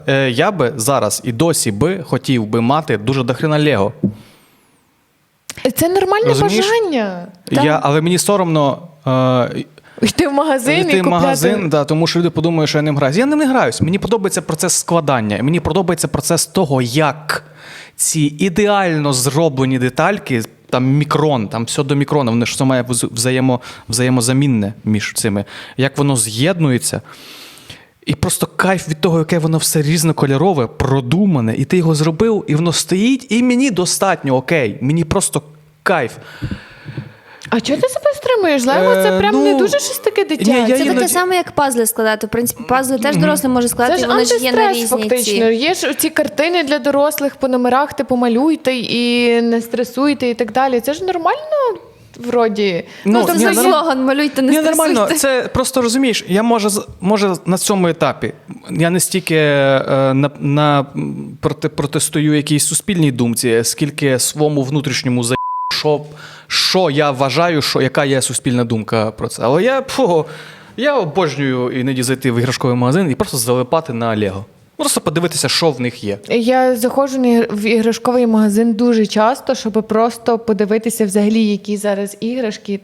Я би зараз і досі би хотів би мати дуже дохрена Лего. Це нормальне Розумієш? бажання. Так. Але мені соромно Йти в магазин і йти в купляти. магазин, да, тому що люди подумають, що я ним граюсь. Я ним не граюсь. Мені подобається процес складання. Мені подобається процес того, як ці ідеально зроблені детальки, там мікрон, там все до мікрона, воно ж все має взаємозамінне між цими, як воно з'єднується. І просто кайф від того, яке воно все різнокольорове, продумане, і ти його зробив, і воно стоїть, і мені достатньо окей. Мені просто кайф. А чого ти себе стримуєш? Лего це прям не дуже щось таке дитяче. я Це іноді- таке саме, як пазли складати. В принципі, пазли теж дорослий може Це складати, ж вони ж є на антистрес, різні фактично. ці. Є ж ці картини для дорослих по номерах, типу малюйте і не стресуйте і так далі. Це ж нормально, вроді. Ну, там ні, за нормально. слоган «малюйте, не Ні, нормально. стресуйте». Це просто розумієш, я може на цьому етапі я не стільки протестую якійсь суспільній думці, скільки своєму внутрішньому що я вважаю, яка є суспільна думка про це. Але я обожнюю іноді зайти в іграшковий магазин і просто залипати на Лего. Просто подивитися, що в них є. Я заходжу в іграшковий магазин дуже часто, щоб просто подивитися взагалі, які зараз іграшки.